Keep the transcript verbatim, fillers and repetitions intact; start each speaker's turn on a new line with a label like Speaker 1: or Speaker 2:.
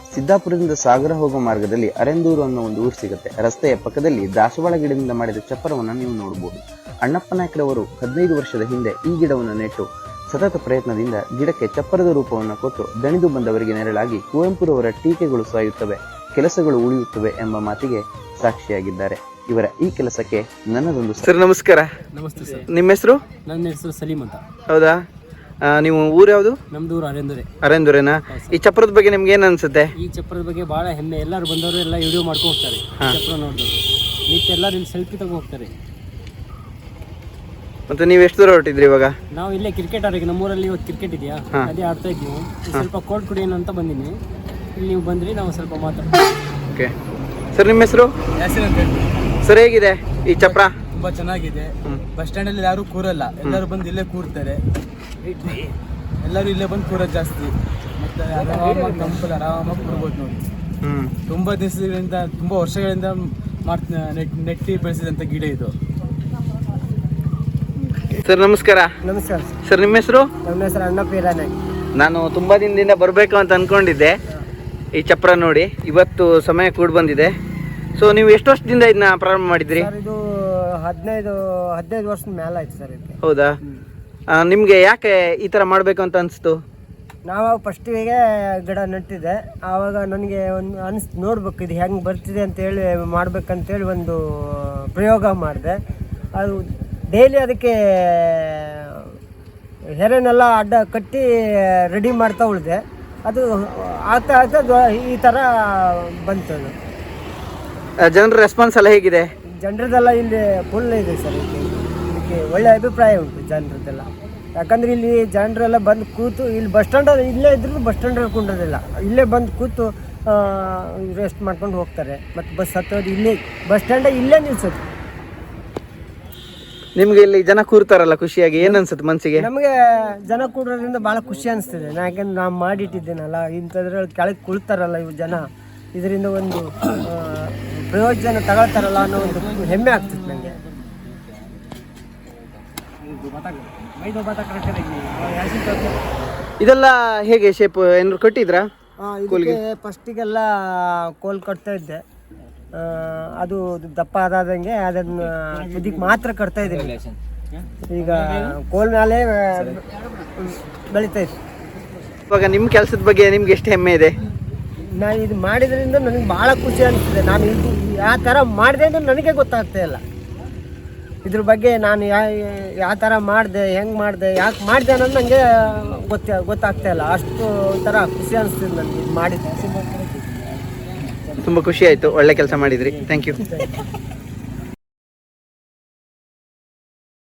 Speaker 1: ಸಿದ್ದಾಪುರದಿಂದ ಸಾಗರ ಹೋಗೋ ಮಾರ್ಗದಲ್ಲಿ ಅರೆಂದೂರು ಅನ್ನೋ ಒಂದು ಊರು ಸಿಗುತ್ತೆ. ರಸ್ತೆಯ ಪಕ್ಕದಲ್ಲಿ ದಾಸವಾಳ ಗಿಡದಿಂದ ಮಾಡಿದ ಚಪ್ಪರವನ್ನು ನೀವು ನೋಡಬಹುದು. ಅಣ್ಣಪ್ಪ ನಾಯ್ಕರವರು ಹದಿನೈದು ವರ್ಷದ ಹಿಂದೆ ಈ ಗಿಡವನ್ನು ನೆಟ್ಟು ಸತತ ಪ್ರಯತ್ನದಿಂದ ಗಿಡಕ್ಕೆ ಚಪ್ಪರದ ರೂಪವನ್ನು ಕೊಟ್ಟು ದಣಿದು ಬಂದವರಿಗೆ ನೆರಳಾಗಿ ಕುವೆಂಪುರವರ ಟೀಕೆಗಳು ಸಾಯುತ್ತವೆ, ಕೆಲಸಗಳು ಉಳಿಯುತ್ತವೆ ಎಂಬ ಮಾತಿಗೆ ಸಾಕ್ಷಿಯಾಗಿದ್ದಾರೆ. ಇವರ ಈ ಕೆಲಸಕ್ಕೆ ನನ್ನದೊಂದು
Speaker 2: ಸರ್ ನಮಸ್ಕಾರ.
Speaker 3: ನಮಸ್ತೆ ಸರ್.
Speaker 2: ನಿಮ್ಮ ಹೆಸರು?
Speaker 3: ನನ್ನ ಹೆಸರು ಸಲೀಮ್ ಅಂತ.
Speaker 2: ಹೌದಾ, ನೀವು ಊರು ಯಾವುದು?
Speaker 3: ನಮ್ದು ಊರು ಅರೆಂದೂರೆ.
Speaker 2: ಅರೆಂದೂರೇನಾ? ಈ ಚಪ್ರದ ಬಗ್ಗೆ ನಿಮ್ಗೆ ಏನು ಅನ್ಸುತ್ತೆ?
Speaker 3: ಈ ಚಪ್ರದ ಬಗ್ಗೆ ಬಹಳ ಹೆಮ್ಮೆ. ಎಲ್ಲರೂ ಬಂದವರು ಎಲ್ಲ ವಿಡಿಯೋ ಮಾಡ್ಕೊಂಡು ಹೋಗ್ತಾರೆ. ಚಪ್ರ ನೋಡಿದವರು ನಿತ್ಯ ಎಲ್ಲರೂ ಇಲ್ಲಿ ಸೆಲ್ಫಿ ತಗೋ ಹೋಗ್ತಾರೆ.
Speaker 2: ಮತ್ತೆ ನೀವು ಎಷ್ಟು ದೂರ ಹೊರಟಿದ್ರಿ ಇವಾಗ?
Speaker 3: ನಾವು ಇಲ್ಲೇ ಕ್ರಿಕೆಟ್ ಆಡೋಕೆ, ನಮ್ಮೂರಲ್ಲಿ ಇವತ್ತು ಕ್ರಿಕೆಟ್ ಇದೆಯಾ, ಅದೇ ಆಡ್ತಾ ಇದ್ವಿ. ಸ್ವಲ್ಪ ಕೋಲ್ಡ್ ಕುಡಿಯೋಣ ಅಂತ ಬಂದಿನಿ. ಇಲ್ಲಿ ನೀವು ಬಂದ್ರಿ, ನಾವು ಸ್ವಲ್ಪ ಮಾತಾಡ್ತೀವಿ.
Speaker 2: ಓಕೆ ಸರ್, ನಿಮ್ಮ ಹೆಸರು? ಸರ್, ಹೇಗಿದೆ ಈ ಚಪ್ರ?
Speaker 4: ತುಂಬಾ ಚೆನ್ನಾಗಿದೆ. ಬಸ್ ಸ್ಟ್ಯಾಂಡ್ ಅಲ್ಲಿ ಯಾರು ಕೂರಲ್ಲ, ಎಲ್ಲರೂ ಬಂದು ಇಲ್ಲೇ ಕೂರ್ತಾರೆ. ಎಲ್ಲರೂ ಇಲ್ಲೇ ಬಂದು ಕೂರೋದು ಜಾಸ್ತಿ. ಮತ್ತೆ ಆರಾಮಾಗಿ ತಂಪಲ್ಲಿ ಆರಾಮಾಗಿ ಕೂರ್ಬೋದು ನೋಡಿ. ತುಂಬಾ ದಿವಸಗಳಿಂದ, ತುಂಬಾ ವರ್ಷಗಳಿಂದ ಮಾಡ್ತ ನೆಟ್ಟಿ ಬೆಳೆಸಿದಂತ ಗಿಡ ಇದು.
Speaker 2: ಸರ್ ನಮಸ್ಕಾರ.
Speaker 3: ನಮಸ್ಕಾರ
Speaker 2: ಸರ್, ನಿಮ್ಮ ಹೆಸರು?
Speaker 3: ನನ್ನ ಹೆಸರು ಅಣ್ಣಪ್ಪ ಇರಾನೆ.
Speaker 2: ನಾನು ತುಂಬಾ ದಿನದಿಂದ ಬರಬೇಕು ಅಂತ ಅನ್ಕೊಂಡಿದ್ದೆ. ಈ ಚಪ್ರ ನೋಡಿ ಇವತ್ತು ಸಮಯ ಕೂಡ ಬಂದಿದೆ. ಸೊ ನೀವು ಎಷ್ಟು ವರ್ಷದಿಂದ ಇದನ್ನ ಪ್ರಾರಂಭ ಮಾಡಿದ್ರಿ?
Speaker 3: ಇದು ಹದಿನೈದು ಹದಿನೈದು ವರ್ಷದ ಮೇಲೆ ಆಯ್ತು ಸರ್ ಇದಕ್ಕೆ.
Speaker 2: ಹೌದಾ, ನಿಮ್ಗೆ ಯಾಕೆ ಈ ತರ ಮಾಡ್ಬೇಕು ಅಂತ ಅನಿಸ್ತು?
Speaker 3: ನಾವು ಫಸ್ಟಿಗೆ ಗಿಡ ನೆಟ್ಟಿದ್ದೆ. ಆವಾಗ ನನಗೆ ಒಂದು ಅನಿಸ್ ನೋಡ್ಬೇಕು ಇದು ಹೆಂಗೆ ಬರ್ತಿದೆ ಅಂತೇಳಿ ಮಾಡ್ಬೇಕಂತೇಳಿ ಒಂದು ಪ್ರಯೋಗ ಮಾಡಿದೆ. ಅದು ಡೈಲಿ ಅದಕ್ಕೆ ಹೆರೆನೆಲ್ಲ ಅಡ್ಡ ಕಟ್ಟಿ ರೆಡಿ ಮಾಡ್ತಾ ಉಳಿದೆ. ಅದು ಆಗ್ತಾ ಆಗ್ತಾ ಈ ಥರ ಬಂತು. ಅದು
Speaker 2: ಜನರ ರೆಸ್ಪಾನ್ಸ್ ಎಲ್ಲ ಹೇಗಿದೆ?
Speaker 3: ಜನರದೆಲ್ಲ ಇಲ್ಲಿ ಫುಲ್ ಇದೆ ಸರ್. ಇದಕ್ಕೆ ಇದಕ್ಕೆ ಒಳ್ಳೆ ಅಭಿಪ್ರಾಯ ಉಂಟು ಜನರದ್ದೆಲ್ಲ. ಯಾಕಂದರೆ ಇಲ್ಲಿ ಜನರೆಲ್ಲ ಬಂದು ಕೂತು, ಇಲ್ಲಿ ಬಸ್ ಸ್ಟ್ಯಾಂಡ್ ಇಲ್ಲೇ ಇದ್ರೂ ಬಸ್ ಸ್ಟ್ಯಾಂಡಲ್ಲಿ ಕುಂಡ್ರದಿಲ್ಲ, ಇಲ್ಲೇ ಬಂದು ಕೂತು ರೆಸ್ಟ್ ಮಾಡ್ಕೊಂಡು ಹೋಗ್ತಾರೆ. ಮತ್ತು ಬಸ್ ಹತ್ತೋದು ಇಲ್ಲೇ, ಬಸ್ ಸ್ಟ್ಯಾಂಡ ಇಲ್ಲೇ ನಿಲ್ಸೋದು.
Speaker 2: ನಿಮ್ಗೆ ಇಲ್ಲಿ ಜನ ಕೂರ್ತಾರಲ್ಲ, ಖುಷಿಯಾಗಿ ಏನು ಅನ್ಸುತ್ತೆ ಮನಸ್ಸಿಗೆ?
Speaker 3: ನಮಗೆ ಜನ ಕೂಡೋದ್ರಿಂದ ಭಾಳ ಖುಷಿ ಅನಿಸ್ತಿದೆ. ಯಾಕೆಂದ್ರೆ ನಾನು ಮಾಡಿಟ್ಟಿದ್ದೇನಲ್ಲ, ಇಂಥದ್ರಲ್ಲಿ ಕೆಳಗೆ ಕುಳ್ತಾರಲ್ಲ ಇವು ಜನ, ಇದರಿಂದ ಒಂದು ಪ್ರಯೋಜನ ತಗೊಳ್ತಾರಲ್ಲ ಅನ್ನೋ ಒಂದು ಹೆಮ್ಮೆ ಆಗ್ತದೆ ನನಗೆ.
Speaker 2: ಇದೆಲ್ಲ ಹೇಗೆ ಶೇಪ್ ಏನಾದ್ರು ಕಟ್ಟಿದ್ರಾ?
Speaker 3: ಇದಕ್ಕೆ ಫಸ್ಟಿಗೆಲ್ಲ ಕೋಲ್ ಕಟ್ತಾ ಇದ್ದೆ. ಅದು ದಪ್ಪ ಆದಂಗೆ ಅದನ್ನು ಇದಕ್ಕೆ ಮಾತ್ರ ಕಟ್ತಾ ಇದ್ದೀನಿ. ಈಗ ಕೋಲ್ ಮೇಲೆ ಬೆಳೀತಾ ಇತ್ತು.
Speaker 2: ಇವಾಗ ನಿಮ್ಮ ಕೆಲಸದ ಬಗ್ಗೆ ನಿಮ್ಗೆ ಎಷ್ಟು ಹೆಮ್ಮೆ ಇದೆ?
Speaker 3: ನಾನು ಇದು ಮಾಡಿದ್ರಿಂದ ನನಗೆ ಭಾಳ ಖುಷಿ ಅನಿಸ್ತಿದೆ. ನಾನು ಇದು ಯಾವ ಥರ ಮಾಡಿದೆ ಅಂತ ನನಗೆ ಗೊತ್ತಾಗ್ತಾ ಇಲ್ಲ. ಇದ್ರ ಬಗ್ಗೆ ನಾನು ಯಾ ಯಾವ ಥರ ಮಾಡಿದೆ, ಹೆಂಗೆ ಮಾಡಿದೆ, ಯಾಕೆ ಮಾಡಿದೆ ಅನ್ನೋದು ನನಗೆ ಗೊತ್ತ ಗೊತ್ತಾಗ್ತಾ ಇಲ್ಲ. ಅಷ್ಟು ಒಂಥರ ಖುಷಿ ಅನಿಸ್ತಿದೆ ನನಗೆ ಇದು ಮಾಡಿದ್ದೆ.
Speaker 2: ತುಂಬ ಖುಷಿ ಆಯಿತು, ಒಳ್ಳೆ ಕೆಲಸ ಮಾಡಿದ್ರಿ. Thank you.